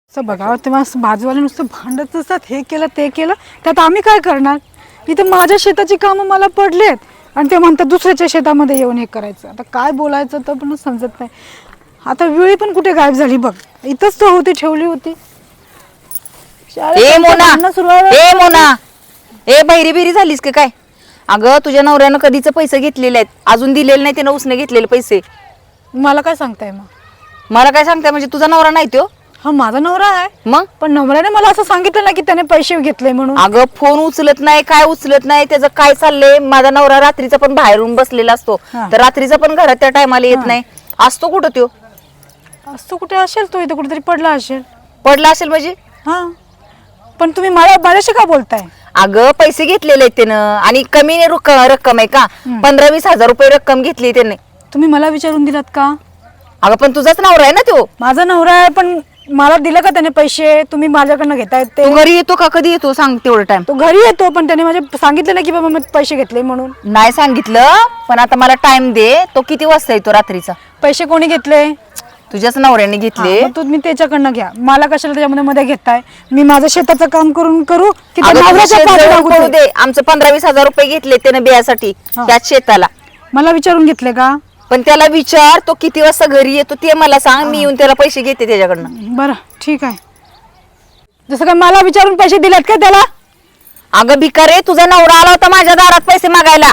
असं बघा तेव्हा बाजूवाले नुसतं भांडत असतात, हे केलं ते केलं, त्यात आम्ही काय करणार? इथं माझ्या शेताची कामं मला पडलेत आणि ते म्हणतात दुसऱ्याच्या शेतामध्ये येऊन हे करायचं. आता काय बोलायचं तर पण समजत नाही. आता वेळी पण कुठे गायब झाली बघ, इथंच तर होती, ठेवली होती. ए मोना, ए बहिरी बिरी झालीस की काय? अगं तुझ्या नवऱ्यानं कधीच पैसे घेतलेले आहेत, अजून दिलेले नाही त्यानं, उसने घेतलेले पैसे. मला काय सांगताय मग? मला काय सांगताय म्हणजे तुझा नवरा नाही तो? हा माझा नवरा आहे, मग पण नवऱ्याने मला असं सांगितलं ना की त्याने पैसे घेतले म्हणून. अगं फोन उचलत नाही, काय उचलत नाही, त्याचं काय चाललंय? माझा नवरा रात्रीचा पण बाहेरून बसलेला असतो, तर रात्रीचा पण घरात त्या टायमाला येत नाही. असतो कुठं तो? असतो कुठे असेल, तो इथं कुठेतरी पडला असेल. पडला असेल म्हणजे? हा, पण तुम्ही माझ्याशी का बोलताय? अगं पैसे घेतलेले आहेत त्यानं, आणि कमी रक्कम आहे का? 15-20 हजार रुपये रक्कम घेतली त्याने. तुम्ही मला विचारून दिलात का? अगं पण तुझाच नवरा आहे ना तो. माझा नवरा आहे, पण मला दिलं का त्याने पैसे? तुम्ही माझ्याकडनं घेतायत ते. तू घरी येतो का? कधी येतो सांग तेवढं टाइम. तो घरी येतो, पण त्याने माझे सांगितलं ना की बाबा मी पैसे घेतले म्हणून. नाही सांगितलं, पण आता मला टाइम दे. तो किती वाजता येतो रात्रीचा? पैसे कोणी घेतले? तुझ्याच नवऱ्याने घेतले. मग तुम्ही त्याच्याकडनं घ्या, मला कशाला त्याच्यामध्ये मध्ये घेताय? मी माझं शेताचं काम करू की त्या अगं तुझं नवऱ्याच्या शेत पाठी जवळ लागू पडू दे? दे. आमचं 15-20 हजार रुपये घेतले त्याने बियासाठी त्याच शेताला. मला विचारून घेतले का? पण त्याला विचार, तो किती वाजता घरी येतो ते मला सांग, मी येऊन त्याला पैसे घेते त्याच्याकडनं. बरं ठीक आहे. जसं काय मला विचारून पैसे दिलेत का त्याला? अगं भिकारी, तुझा नवरा आला होता माझ्या दारात पैसे मागायला.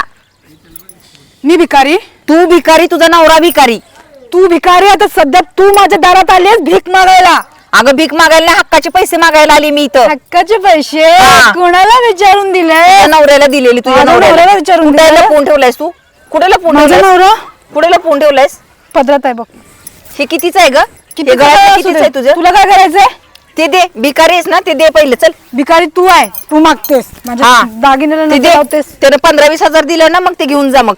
मी भिकारी? तू भिकारी, तुझा नवरा भिकारी. तू भिकारी? आता सध्या तू माझ्या दारात आलीस भीक मागायला. अगं भीक मागायला नाही, हक्काचे पैसे मागायला आली मी इथं. हक्काचे पैसे हा. कोणाला विचारून दिले? तुझ्या नवऱ्याला दिलेली. तुझ्या माझ्या नवऱ्याला नवऱ्याला विचारून कुठे दिलं? लपवून ठेवलायस तू? कुठे लपवून माझा ठेवलायस? नवरा कुठे लपवून ठेवलायस? पदरात आहे बघ. हे कितीच आहे ग? किती हे गळ्यातलं असू कितीच दे. आहे तुझं? तुला काय करायचंय? ते दे. भिकारी आहेस ना, ते दे पहिले. चल भिकारी तू आहे, तू मागतेस माझ्या हा. दागिन्याला ते नजर दे. लावतेस. त्यानं 15-20 हजार दिलं ना, मग ते घेऊन जा. मग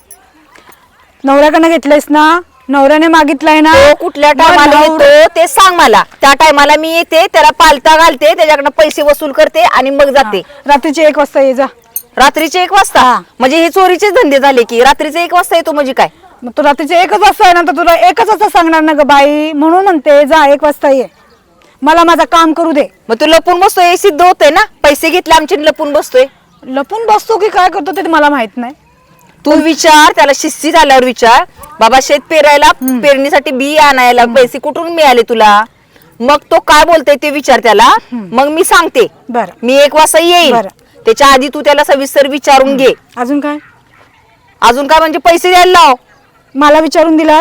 नवऱ्याकडनं घेतलेस ना? नवऱ्याने मागितलाय ना? तो कुठल्या टायमाला येतो ते सांग मला. त्या टायमाला मी येते, त्याला पालता घालते, त्याच्याकडनं पैसे वसूल करते आणि मग जाते. रात्रीचे 1 वाजता ये जा. रात्रीचे 1 वाजता? म्हणजे हे चोरीचेच धंदे झाले की. रात्रीचे 1 वाजता येतो म्हणजे काय? मग तो रात्रीचे 1 वाजता आहे ना, तर तुला 1 वाजता सांगणार ना ग बाई, म्हणून म्हणते जा 1 वाजता ये, मला माझं काम करू दे. मग तू लपून बसतोय, हे सिद्ध होतंय ना. पैसे घेतले आमचे, लपून बसतोय. लपून बसतो की काय करतो ते मला माहित नाही. तू विचार त्याला, शिस्तीत आल्यावर विचार, बाबा शेत पेरायला, पेरणीसाठी बी आणायला पैसे कुठून मिळाले तुला? मग तो काय बोलतोय ते विचार त्याला, मग मी सांगते. बरं. मी 1 वाजता येईल, बरं. त्याच्या आधी तू त्याला सविस्तर विचारून घे. अजून काय? अजून काय म्हणजे? पैसे द्यायला लाव. मला विचारून दिलात?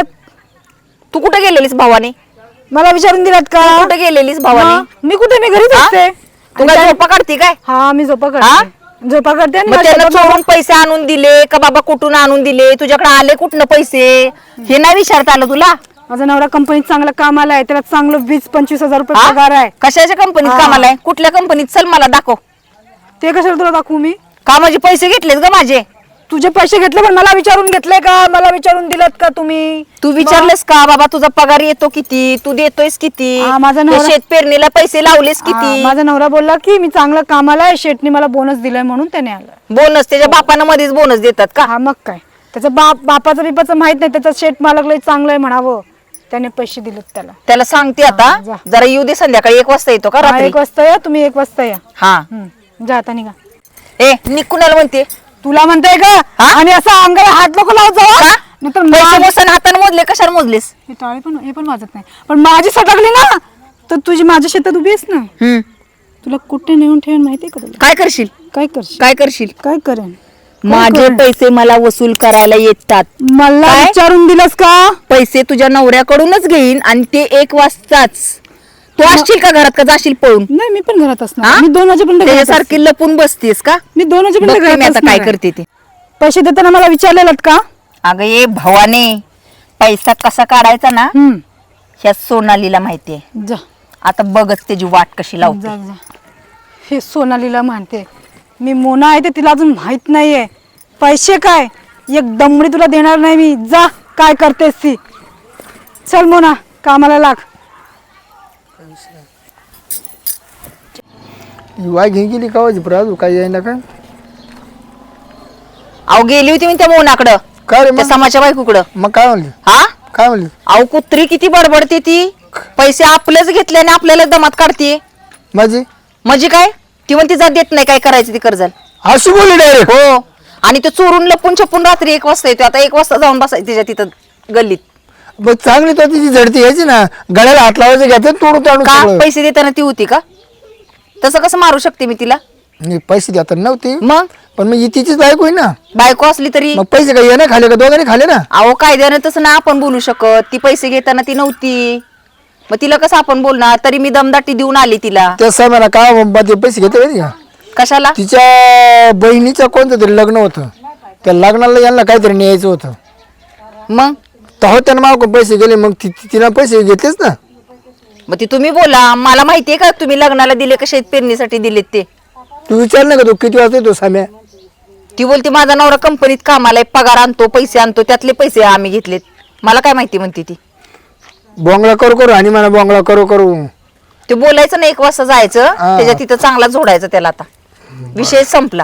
तू कुठे गेलेलीस भावाने? मला विचारून दिलात का? कुठे गेलेलीस भावाने? मी कुठे? मी घरीच असते. तू काय झोपा काढती काय? हा, मी झोपा करते. झोपा करते आणि मग माझ्या त्यानं शेतात चोरून पैसे आणून दिले का बाबा? कुठून आणून दिले? तुझ्याकडे आले कुठनं पैसे? हे नाही विचारता आलं तुला? माझा नवरा कंपनीत चांगला कामाला आहे, त्याला चांगलं 20-25 हजार रुपये पगार आहे. कशाच्या कंपनीत कामाला आहे? कुठल्या कंपनीत? चल मला दाखव. ते कशाला तुला दाखवू मी? का म्हणजे पैसे घेतलेस ग माझे? तुझे पैसे घेतले, पण मला विचारून घेतले का? मला विचारून दिलात का तुम्ही? तू विचारलेस का बाबा तुझा पगार येतो किती? तू देतोयस किती? हा, माझा नवरा- त्या शेत पेरणीला पैसे लावलेस हा, किती? माझा नवरा बोलला की मी चांगलं कामाला आहे, शेटने मला बोनस दिलाय म्हणून त्याने आलं. बोनस? त्याच्या बापानं मध्येच बोनस देतात का? हा, मग काय? त्याचं बापाचं बिपाचं माहित नाही, त्याचं शेट मालक लय चांगलं आहे म्हणावं, त्याने पैसे दिलेत त्याला. त्याला सांगते आता, जा. जरा येऊ दे. संध्याकाळी 1 वाजता येतो का? हा, रात्री 1 वाजता या तुम्ही, 1 वाजता या. हा. जा आता निघा. ए निकुणाला म्हणते तुला म्हणताय का? हा? आणि असं अंगाला हात नको लावत जाऊ. का? नाहीतर पैसे मोजताना हाताने मोजले, कशाला मोजलेस? हे टाळे पण, हे पण वाजत नाही, पण माझी सटकली ना तर तुझी माझ्या शेतात उभी आहेस ना, तुला कुठे नेऊन ठेवून माहितीये का तुला? काय करशील? काय करशील? काय करशील? काय करेन? माझे पैसे मला वसूल करायला येतात. मला काय? विचारून दिलंस का? पैसे तुझ्या नवऱ्याकडूनच घेईन आणि ते 1 वाजताच. तू असशील का घरात, का जाशील पळून? नाही, मी पण घरात असणार. हा? मी 2 वाजेपर्यंत घरात असते. त्याच्यासारखी लपून बसतेस का? मी 2 वाजेपर्यंत बघते घरात मी आता असणार काय आहे. करते ते. पैसे देताना मला विचारलेलं का? अगं ये भवाने, पैसा कसा काढायचा ना ह्या सोनालीला माहितीये. जा आता बघच त्याची वाट कशी लावते. जा जा. हे सोनालीला म्हणते मी, मोना आहे ते तिला अजून माहित नाहीये. पैसे काय, एक दमडी तुला देणार नाही मी. जा, काय करतेस ती. चल मोना, कामाला लाग. वाय घेऊन गेली का राजू? काय यायला काय? अहो गेली होती मी त्या मोनाकडं, काय रे त्या मग? समाच्या बायकोकडं. मग काय म्हणली? हा, काय म्हणली? अहो कुत्री किती बडबडते ती. पैसे आपलेच घेतले आणि आपल्याला दमात काढते. माझी म्हणजे काय? ती म्हणते जा देत नाही, काय करायचं ती कर्जाल. अशी बोलली डायरेक्ट. हो, आणि तो चोरून लपून छपून रात्री 1 वाजता येतो. आता 1 वाजता जाऊन बसायचं तिच्या तिथं गल्लीत. मग चांगली तो तिची झडती घ्यायची ना, गळ्याला हात लावायचं घ्यायचं तोडून ताडून का सगळं. पैसे देताना ती होती का? तसं कसं मारू शकते मी तिला? नाही, पैसे देतात नव्हती, मग पण मग ही तिचीच बायको आहे ना. बायको असली तरी मग पैसे काही येणं खाले का दोघांनी खाले ना. अहो कायद्यानं तसं ना आपण बोलू शकत. ती पैसे घेताना ती नव्हती, मग तिला कसं आपण बोलणार? तरी मी दमदाटी देऊन आली तिला. त्या साहेबांना का ते पैसे घेते माहिती का? कशाला? तिच्या बहिणीचं कोणतं तरी लग्न होतं, त्या लग्नाला यांना काहीतरी न्यायचं होतं. मग तेव्हा त्यानं मागून पैसे गेले, मग तिनं पैसे घेतलेच ना. मग ती तुम्ही बोला. मला माहितीये का तुम्ही लग्नाला दिले का शेत पेरणीसाठी दिलेत ते? तू विचार ना का तू किती वाजता येतो साम्या? ती बोलते माझा नवरा कंपनीत कामाला आहे, पगार आणतो, पैसे आणतो, त्यातले पैसे आम्ही घेतलेत. मला काय माहिती म्हणते ती. बोंगळा करू करू आणि मला बोंगळा करू करू. ते बोलायचं ना 1 वाजता जायचं, त्याच्या तिथं चांगला जोडायचं त्याला. आता विषय संपला.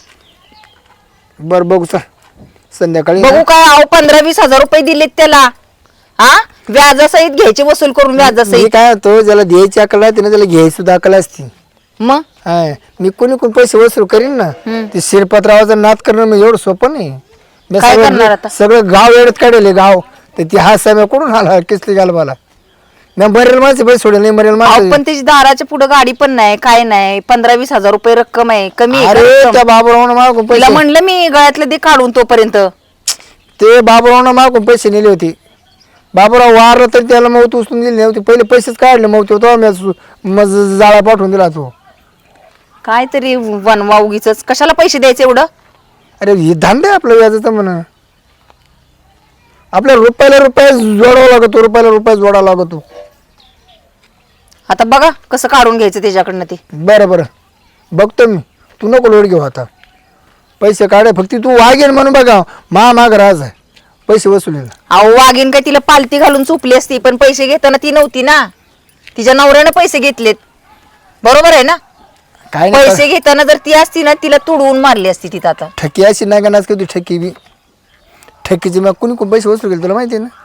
बर बघू चल संध्याकाळी. बघू काय? अहो 15-20 हजार रुपये दिलेत त्याला. हा, व्याजासहित घ्यायचे, वसूल करून मी व्याजासहित. काय होतो, ज्याला द्यायची अकल आहे त्याला घ्यायची सुद्धा अकल असती. मग हाय, मी कोणी पैसे वसूल करीन ना, ते शिरपतरावाचा नाद करणं म्हणजे एवढं सोपं नाही. मी काय करणार आता? सगळं गाव एवढत काढले गाव, तर ती हा साम्या कुठून आला किसली घालवाला. मी मरेल माझे पैसे सोडले नाही, मरेल अहो, माझे. पण त्याची दाराच्या पुढे गाडी पण नाही, काय नाही. 15-20 हजार रुपये रक्कम आहे, कमी आहे का अरे रक्कम? त्या बाबूरावनं मागून तिला पैसे, म्हणलं मी गळ्यातलं दे काढून तोपर्यंत. ते बाबूरावनं मागून पैसे नेले होते. बाबूराव वारला तरी त्याला मौत उचलून दिली नव्हती, पहिले पैसेच काढले मौत होतो, मग जाळा पाठवून दिला तो. काय तरी वनवा उगीच. कशाला पैसे द्यायचे एवढं? अरे हे धंदा आहे आपलं व्याजाचं म्हणा. आपल्या रुपयाला रुपया जोडावा लागतो, रुपयाला रुपया जोडावा लागतो. आता बघा कसं काढून घ्यायचं त्याच्याकडनं ते. बरं बरं बघतो मी, तू नको लोड घेऊ आता. पैसे काढे फक्त तू वागेन म्हणून बघा, माग राज आहे पैसे वसुलीला. अहो वाघीन काय तिला पालती घालून चुपली असती, पण पैसे घेताना ती नव्हती ना. तिच्या नवऱ्यानं पैसे घेतलेत, बरोबर आहे ना? काय नाही पैसे घेताना जर ती असती ना, तिला तुडवून मारली असती तिथं. आता ठकी अशी नाही का नाच का तू ठकी बी. ठकीची मग कुणी कोण पैसे वसूल केले तुला माहिती आहे ना.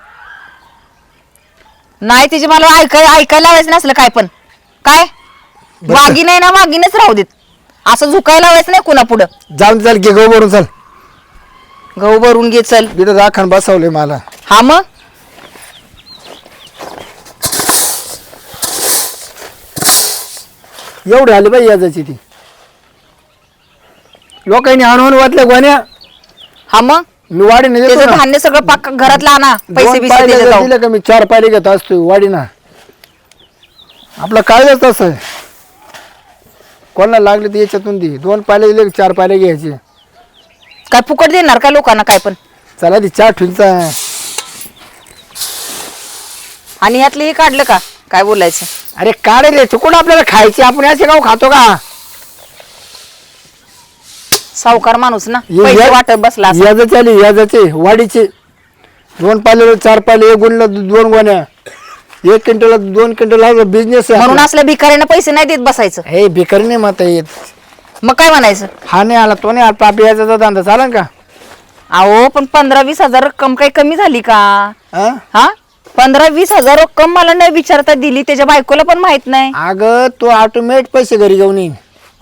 नाही तिचे मला ऐकायला लावायचं नसलं काय पण. काय वाघीन आहे ना, वाघीनच राहू देत. असं झुकायला लावायचं नाही कुणा पुढं. जाऊन चाल घे गहू भरून चाल. गहू भरून घे चल. तिथं राखण बसवले मला. हा मग एवढी आली बाई याजाची ती. लोकांनी आणून वाटल्या गोण्या, हा मग मी वाढीने देतो त्याचं ना. धान्य सगळं पाक घरातलं आणा, पैसे 2 बिसे पायले त्याच्यात जर जाऊ. दिले का मी 4 पायले घेत असतो वाडीना. आपला कायदाच असं आहे, कोणाला लागले तर याच्यातून दे. 2 पायले दिले 4 पायले घ्यायचे. काय फुकट देणार का लोकांना काय पण? चला ती 4 ठुलचा. आणि ह्यातलं हे काढलं का? काय बोलायचं? अरे काढले चुकून आपल्याला खायचे, आपण असे गाव खातो का? सावकार माणूस ना, पैसे वाटत बसला असेल. याजाचे आले, याजाचे वाडीचे. 2 पायले 4 पायले, 1 गुणला 2 गोण्या, 1 क्विंटल 2 क्विंटल बिझनेस आहे म्हणून आपला. असल्या भिकाऱ्यांना पैसे नाही देत बसायचं. हे भिकारी नाही माता येत. मग काय म्हणायचं? हा नाही आला तो नाही आला, आपल्या याचा धंदा चालेल का? अहो पण 15-20 हजार रक्कम काही कमी झाली का? हा? हा, 15-20 हजार रक्कम मला नाही विचारता दिली, त्याच्या बायकोला पण माहित नाही. अगं तो ऑटोमेट पैसे घरी घेऊन येईन.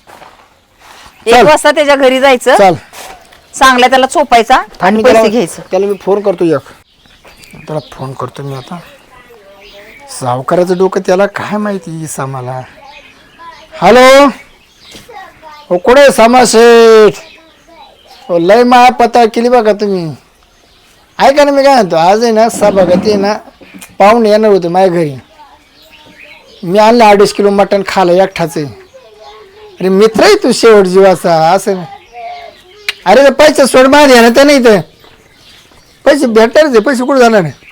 1 वाजता त्याच्या घरी जायचं, चल चांगला त्याला चोपायचा आणि पैसे घ्यायचं. त्याला मी फोन करतो त्याला फोन करतो मी आता. सावकाराचं डोकं त्याला काय माहिती सामाला. हॅलो, हो कुठे सामा शेठ? हो लय मा पता केली बघा तुम्ही. ऐका ना, मी काय म्हणतो, आज आहे ना सभागती आहे ना, पाहुणे येणार होते माझ्या घरी. मी आणलं 2.5 किलो मटण खालं एकठाच आहे. अरे मित्र आहे तू शेवट जीवाचा असं नाही. अरे ते पैसे सोड माझे आहे ना, ते नाही तर पैसे भेटणार, ते पैसे कुठे जाणार आहे?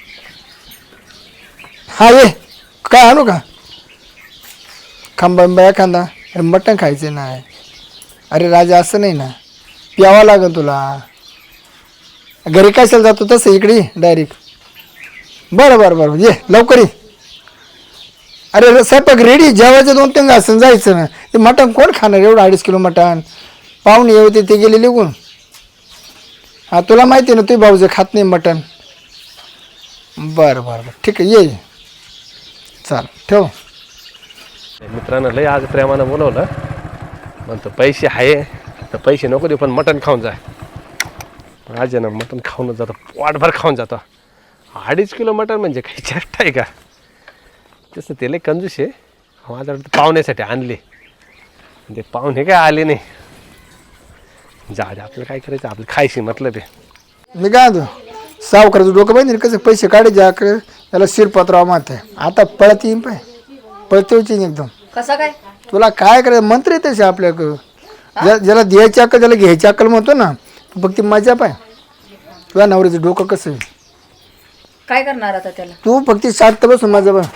हा ये, काय आणू का? खांबा एखादा. अरे मटण खायचं नाही. अरे राजा असं नाही ना, प्यावा लागेल तुला. घरी कशाला जातो तसं इकडे डायरेक्ट. बरं बरं बरं ये लवकर ये. अरे स्वयंपाक रेडी, जेवायचं 2-3 घासून जायचं ना. ते मटण कोण खाणार एवढं 2.5 किलो मटण? पाहुणे येते ते गेले निघून. हा तुला माहिती आहे ना, तुझे भाऊजे खात नाही मटण. बरं बरं बरं ठीक आहे, ये चाल ठेव. मित्रांनो लय आज प्रेमानं बोलवलं, म्हणतो पैसे आहे तर पैसे नको देऊ पण मटण खाऊन जा. आज आहे ना मटण खाऊन जातो, पोटभर खाऊन जातो. 2.5 किलो मटण म्हणजे काही चेष्टा आहे का? तसं ते लय कंजूस आहे. माझ्याकडे पाहुण्यासाठी आणले, ते पाहुणे काय आले नाही. जा आपलं काय करायचं, आपलं खायची मतलब आहे. मी काय म्हणतो, सावकाराचं डोकं पाहिजे कसं पैसे काढे ज्याकडे त्याला शिरपत्राव मात आहे. आता पळत येईन पाय, पळतेवची एकदम. कसा काय? तुला काय करायचं, मंत्र येतेच आपल्याकडं. ज्याला द्यायची अक्कल त्याला घ्यायची अक्कल म्हणतो ना. फक्त मजा पाय, तुझ्या नवऱ्याचं डोकं कसं आहे. काय करणार आता त्याला? तू फक्त शांत बसून माझं बा.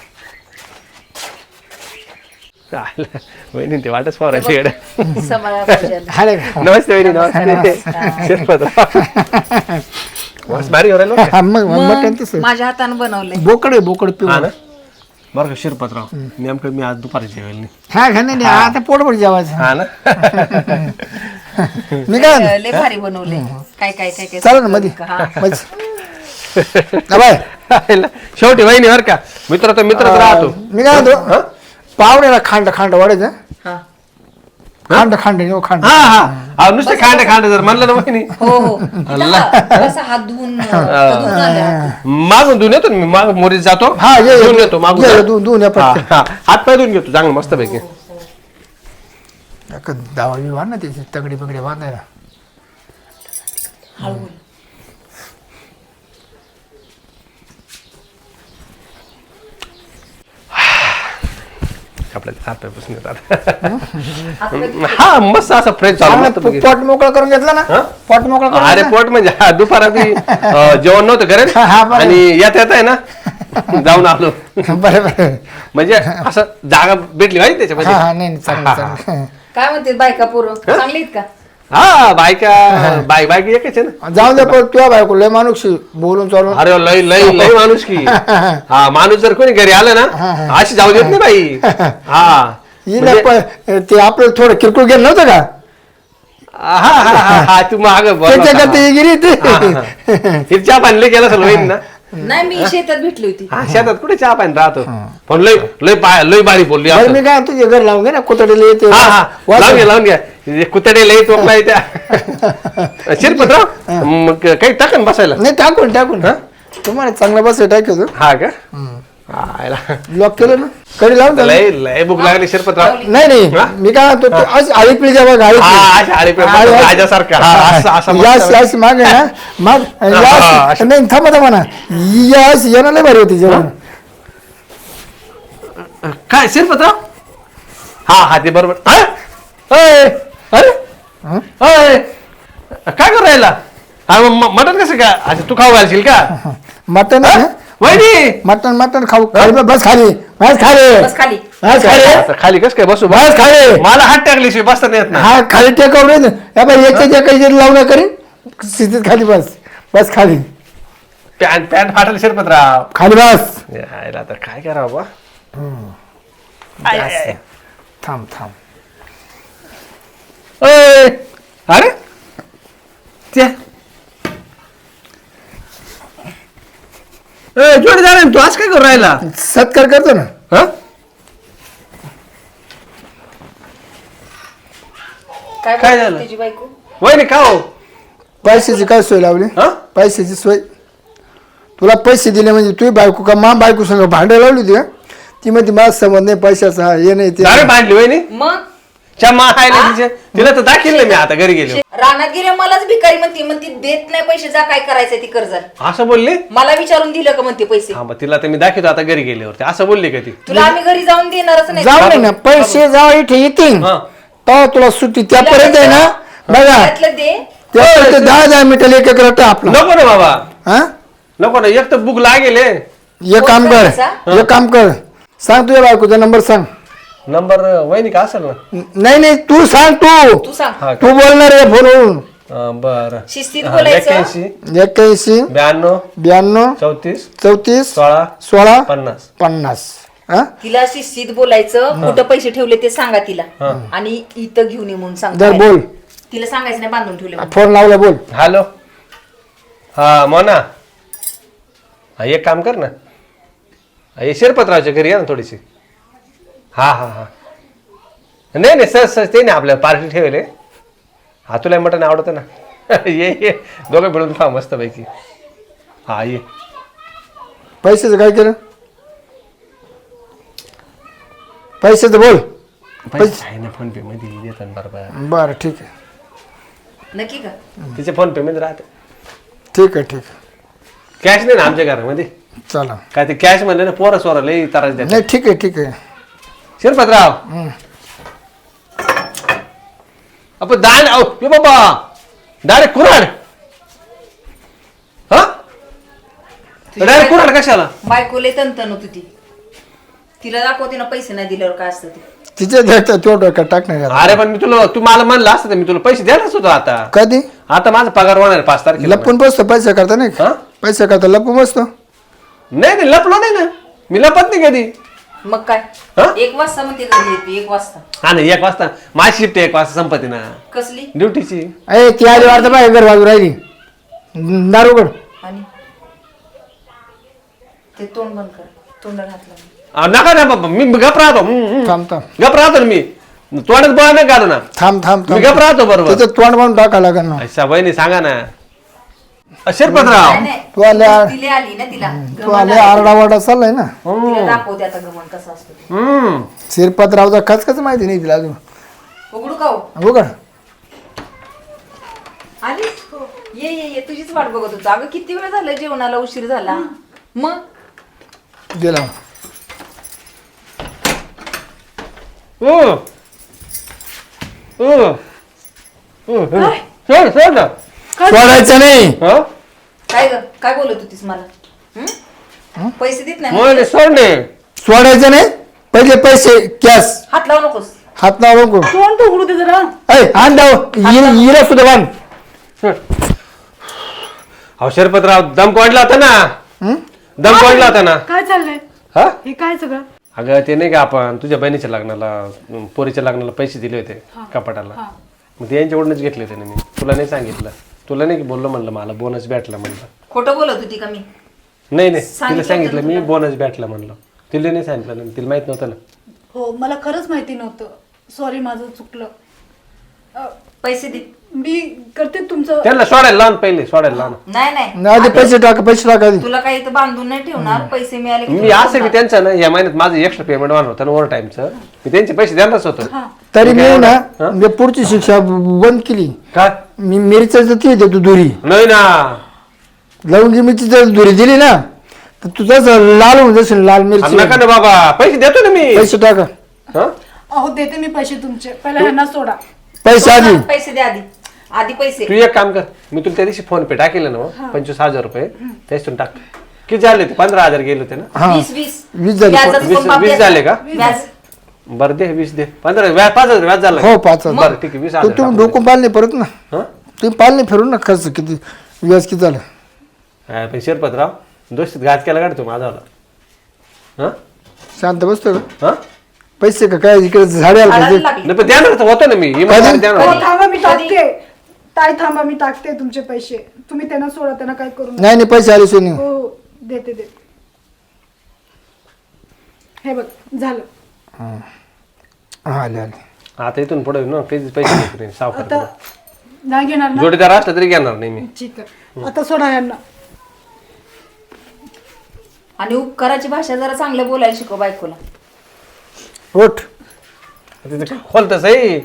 वहिनी ते वाटच पाहरायची इकडे. हाले का? नमस्ते वहिनी, नमस्ते. शिरपतराव. मस्त भारी हो राहिलो. हा, मग मटण तसं माझ्या हाताने बनवलंय. बोकड आहे, बोकड पिऊ. हा ना, बरं का शिरपतराव, नेमकं मी आज दुपारी जेवेल नाही. हा खा नाही आता पोटभर जेवायचं. हा ना. मी काय म्हणतो, लय भारी बनवले. काय काय काय काय चालेल ना मध्ये बाय. शेवटी वहिनी बर का, मित्र तर मित्रच राहतो. मी काय म्हणतो, पावड्याला खांड खांड वाढायचं. हा खांड खांड खांड. हा हा, नुसते खांड जर म्हणलं ना वहिनी, हो हो. कसा हात धुवून मागून धुवून येतो ना मी, माग मोरीत जातो. हा ये धुवून येतो मागून. दोन हात पाय धुवून घेतो चांगलं मस्त पैकी. दावा वाढ ना त्याची तगडी बगडी बांधायला. आपल्याला हात पाय पुसून येतात. हा मस्त असं फ्रेश झालं मस्त पैकी. पोट मोकळं करून घेतला ना. पोट मोकळं करून अरे पोट म्हणजे दुपारा जेवण नव्हतं करेल हा, बरं. आणि येत आहे ना जाऊन आलो. बरं म्हणजे असं जागा भेटली माहिती त्याच्यामध्ये. हा नाही चांगलं चांगलं. काय म्हणते बायका पोरं चांगली आहेत का? हा बायका बायक एकच आहे ना. जाऊ दे पण तुझ्या बायको लय माणूस बोलून चालून. अरे लय लय लय माणूस की. हा माणूस जर कोणी घरी आलं ना अशी जाऊ देत नाही बाई. हा ते आपलं थोडं किरकोळ गेलं नव्हतं का. हा हा हा हा तू माग त्याच्याकडे गिरी ते चहा पाणी गेला असेल वहीन ना. नाही मी शेतात भेटली होती. हा शेतात कुठे चहा पाणी राहतो. पण लय लय लय बारी बोलली. बरं मी काय तुझे घर लावून घे ना कुतडीला येते. हा हा लावून घ्या कुतडे लई तोपला त्या. शिरपतराव मग काही टाकन बसायला. नाही टाकून टाकून. तुम्हाला चांगलं बस टाकतो. हा का लॉक केलं ना कडी लावून त्याला. लय लय भूक लागली शिरपतराव. नाही नाही मी काय म्हणतो आळी पिळी जेव्हा राजासारखा यास माग आहे ना माग नाही थांबा थांबा ना. यास येणं लय भारी होती जेवण. काय शिरपतराव. हा हा ते बरोबर. अरे काय करू राहिला. मटन कसं काय. अच्छा तू खाऊ घालशील का. मटन वहिनी मटन मटन खाऊ बस खाली बस खाली बस खाली. बस खाली आता खाली कस काय बसू. बस खाली. मला हात टाकल्याशिवाय बसता नाही येत ना. हा खाली टेकव रे याच्या काही लावणं करीन स्थितीत खाली बस बस खाली. पॅन्ट पॅन्ट फाटल शिरपतराव. खाली बस. यायला आता काय करावं बा. थांब थांब. अरे त्या जोडीदार तू आज काय करू राहिला. सत्कार करतो ना. हा काय झालं? तुझी बायको वहिनी का हो. पैशाची काय सोय लावली. हा पैशाची सोय तुला पैसे दिले म्हणजे तुझी बायको का मा बायको संग भांडं लावली होती का. ती म्हणते माझा संबंध नाही पैशाचा हे नाही ते. अरे बांधली वहिनी मग चमा आहे तिला तर दाखिल मी आता घरी गेलो. रानात गेले मलाच भिकारी म्हणती देत नाही पैसे जा काय करायचं ती कर्ज. असं बोलली. मला विचारून दिलं का म्हणते पैसे. हा मग तिला तर मी दाखवतो आता घरी गेल्यावरती असं बोलली का ती. तुला आम्ही घरी जाऊन देणारच नाही. जाऊ दे ना पैसे जाऊ इथे येतील हा तेव्हा तुला सुट्टी त्यापर्यंत आहे ना. बघा त्यातलं दे. त्यापर्यंत 10 मिनिटाला एक रट्टा आपला. नको ना बाबा हा नको ना एक तर बुक लागेल. एक काम कर एक काम कर सांग तुझ्या बायकोचा नंबर सांग. नंबर वहिनी का असेल ना. नाही नाही तू सांग तू सांग. हा तू बोलणार आहे फोनवरून. बरं शिस्तीत बोलायचं. 81 82 92 34 34 16 16 50 50. हा तिला शिस्तीत बोलायचं. कुठं पैसे ठेवले ते सांगा तिला आणि इथं घेऊन ये म्हणून सांग. जर बोल तिला सांगायचं नाही बांधून ठेवले म्हणून. फोन लावला बोल. हॅलो हा मोना हा एक काम कर ना हे शिरपतरावच्या घरी या ना थोडीशी. हा हा हा नाही नाही सहज सहज ते नाही आपल्याला पार्टी ठेवले. हा तुला मटण आवडतं ना. ये ये दोघं मिळून खा मस्त पैकी. हा ये. पैशाचं काय केलं? पैशाचं बोल. पैसे आहे ना फोन पे मध्ये देतात बरोबर. बरं ठीक आहे. नक्की का? तिचे फोन पे मध्ये राहते. ठीक आहे ठीक आहे. कॅश नाही ना आमच्या घरामध्ये. चला. काय ते कॅश म्हणले ना पोरं सोरा लई त्रास देतात. नाही ठीक आहे ठीक आहे. शिरपतराव आपण दान ये बाबा डायरेक्ट कुऱ्हाड. हा डायरेक्ट कुऱ्हाड कशाला? बायकोले तंतन होती ती. तिला दाखवते ना पैसे नाही दिल्यावर काय असतं ते. तिच्या द्यायचं तेवढं का टाकणार. अरे पण मी तुला तू मला म्हणलं असतं तर मी तुला पैसे द्यायलाच होतो. आता कधी आता माझा पगार होणार आहे 5 तारखेला. लपून बसतो पैसा करता नाही हा? पैसा करता लपून बसतो. नाही नाही लपलो नाही ना मी लपत नाही कधी. मग काय हा? 1 वाजता मग ते घरी येते 1 वाजता. हा नाही 1 वाजता माझी शिफ्ट 1 वाजता संपत्ती ना कसली? ड्युटीची. अरे ती आली वाटतं बाय घर बाजू राहिली दारूगड. आणि ते तोंड बंद कर. तोंड घातलं. नका ना बाबा मी गप राहतो. थांब थांब गप राहतो ना मी. तोंडात बळ नाही काढू ना. थांब थांब मी गप राहतो बरोबर. त्याचं तोंड म्हणून टाका लागेल ना. अच्छा बहिणी सांगा ना. शिरपतराव नाही, तू आल्या तिले आली ना तिला तू आले आरडावाडा चाललाय ना. तिला दाखवते आता गमन कसं असतं ते. शिरपतरावचा खचखच माहिती नाही तिला अजून. उघडू का हो? उघड. आली ये ये ये तुझीच वाट बघत होतो. अगं किती वेळ झाला जेवणाला उशीर झाला. मग गेला. सोडायचं नाही. काय ग काय बोलत होतीस मला? पैसे देत नाही सोडणे सोडायचं नाही. पहिले पैसे कॅश हात लावू नकोस. हात नाव नको. तोंड तर उघडू दे जरा. आण दाव हिरा सुद्धा बांध. अहो शिरपतराव दम कोणला होता ना. दम कोणला होता ना. काय चाललंय हा हे काय सगळं? अगं ते नाही का आपण तुझ्या बहिणीच्या लग्नाला पोरीच्या लग्नाला पैसे दिले होते कपाटाला. मग ते यांच्याकडूनच घेतले होते ना मी. तुला नाही सांगितलं. तुला नाही बोललो म्हणलं मला बोनस भेटला म्हणलं. खोटं बोलत होती का मी? नाही नाही तिला सांगितलं सांगितलं होतं मी तुला? बोनस भेटला म्हणलं. तिला नाही सांगितलं ना तिला माहित नव्हतं ना. हो मला खरंच माहिती नव्हतं. सॉरी माझं चुकलं. पैसे दे. मी करते तुमचं. त्यांना सोडायला लावून पहिले सोडायला लावून. नाही आधी पैसे टाका आधी. तुला काही इथं बांधून नाही ठेवणार. पैसे मिळाले की मी तुला असं की त्यांचं ना या महिन्यात माझं एक्स्ट्रा पेमेंट वाढ होतं ना ओव्हर टाईमचं. मी त्यांचे पैसे देणारच होतो. तरी मी ना मी पुढची शिक्षा बंद केली. काय मी मिरची ती देतो दुरी नाही ना. लवंगी मिरची जर दुरी दिली ना तर तुझाच लाल होऊन जाशील. लाल मिरची. नका ना बाबा पैसे देतो ना मी. पैसे टाका. हा? अहो देते मी पैसे तुमचे. पहिला ह्यांना सोडा. पैसे आधी. पैसे दे आधी. आधी पैसे. तू एक काम कर मी तुला त्या दिवशी फोन पे टाकेल ना 25,000 रुपये त्याच्यातून टाक. किती झाले ते 15,000 गेले होते ना. हा 20 झाले. व्याजाचं पण बाप 20 झाले का? व्याज. बरं दे 20 दे. 15 व्याज 5,000 व्याज झालं. हो 5,000. बरं ठीक आहे 20,000 तुम्ही डोकं पाल नाही परत ना. हा? तुम्ही पाल नाही फिरून ना खर्च किती व्याज किती झालं. हा, पण शिरपतराव दोस्तीत घात केला का रे तू माझा. हा शांत बसतो का. हा पैसे का काय इकडे झाडे आलं काढायला पाहिजे. लागली. नाही पण देणार तर होतं ना मी इमानदारी देणार हो होतो. थांबा मी टाकते. ताई थांबा मी टाकते तुमचे पैसे. तुम्ही त्यांना सोडा. त्यांना काय करू नका. नाही नाही पैसे आले सोनी. हो हो देते देते. हे बघ झालं. आले आले. आता इथून पुढे ना कधीच पैसे घेत नाही आता सावकार. नाही घेणार ना. जोडीदार असला तरी घेणार नाही मी. ठीक आहे. आता सोडा यांना. आणि उपकाराची भाषा जरा चांगलं बोलायला शिकव बायकोला. उठ. तिथे खोलतच आहे.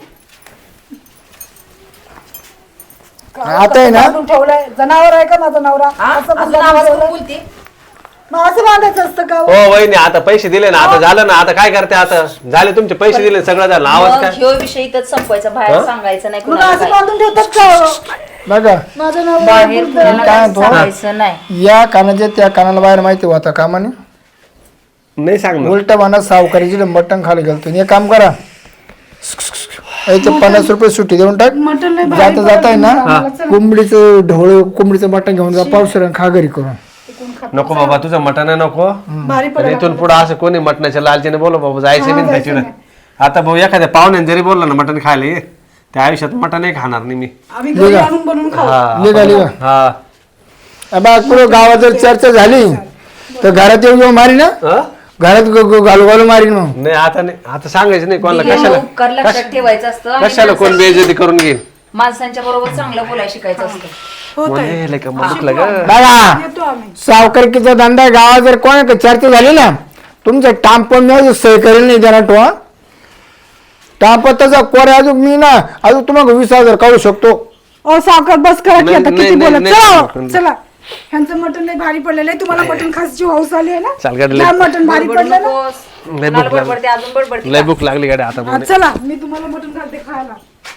आता आहे ना बांधून ठेवलंय. जनावर आहे का माझा नवरा? हा? असं अजून बांधून आवाज ठेवलंय. करून बोलते. मग असं बांधायचं असतं का? हो वहिनी आता पैसे दिले ना आता झालं ना. आता काय करते आता झाले तुमचे पैसे दिले सगळं झालं. आवाज मग काय ह्यो विषय इथंच संपवायचा. बाहेर सांगायचं नाही मग कुणाला असं काय. बांधून ठेवतात का? बघा माझं नवरा बाहेर कुणाला काय काही म्हणतो? सांगायचं नाही. या कानाच्या त्या कानाला बाहेर माहिती होता कामाने. नाही सांगणार. उलटा म्हणा सावकारीची मटण खाली घालतो. एक काम करा याचे 50 रुपये सुट्टी देऊन टाक. मटण लय भारी जाता जाता आहे ना आम्हाला चला. कोंबडीचं ढोळ कोंबडीचं मटण घेऊन जा. पावसाळ्यात खा घरी करून. नको बाबा तुझं मटण नको. भारी पण इथून पुढे असं कोणी मटणाच्या लालचीने बोलो बाबा जायचं नाही जायचं त्याच्यावर. आता भाऊ एखाद्या पाहुण्याने जरी बोलला ना मटण खायला ये त्या आयुष्यात मटण नाही खाणार नाही मी. आम्ही घरी आणून बनवून खाऊ. हा निघा निघा. हा बा पुढे गावात जर चर्चा झाली तर घरात येऊन मारी ना. हा? घरात घालू घालू मारीन मग. नाही आता सांगायचं नाही कोणाला. दिलेलं कशाला उपकार लक्षात ठेवायचं असतं आणि कशाला कोण बेइज्जती करून घेईल. माणसांच्या बरोबर चांगलं बोलायला शिकायचं असतं. म्हणे का मग दुखलं ग. बघा येतो आम्ही. सावकारकीचा धंदा गावात जर कोणा चर्चा झाली ना तुमचं टांपण मी सही करेल नाही जरा तो टांपताचा कोर अजून मी ना अजून तुम्हाला 20,000 काढू शकतो. ओ सावकार बस करा की नाही, आता किती नाही, बोलत. नाही, चला नाही. हो, चला. ह्यांचं मटण लय भारी पडलेलं आहे. तुम्हाला मटण खायची हौस आली आहे चाल ना. गाडी काय मटण भारी बडबडू पडलं ना. नकोस. लय कुणाला भूक बडबडते अजून बडबडते लय का? भूक लागली गाडी आता. हा, चला मी तुम्हाला मटण घालते खायला.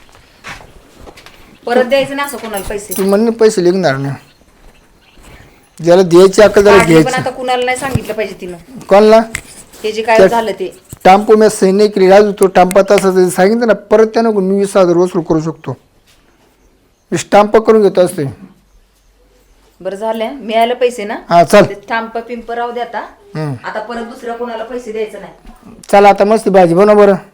परत द्यायचं ना असं कोणाला पैसे. तू म्हणणे पैसे लिखणार नाही ज्याला द्यायची अक्कल त्याला काढले पण घ्यायची. आता कुणाला नाही सांगितलं पाहिजे तिनं कोणला हे जे काय झालं ते. टांपू मी सही नाही केली अजून तो टांपा तसं सांगितलं ना परत त्यानं मी 20,000 वसूल करू शकतो. मी स्टाम्प करून घेतो असते. बरं झालं मिळालं पैसे ना. हा चल स्टाम्प पिंप राहू दे आता. हम्म. आता परत दुसऱ्या कोणाला पैसे द्यायचं नाही. चला आता मस्त भाजी बनव बरं.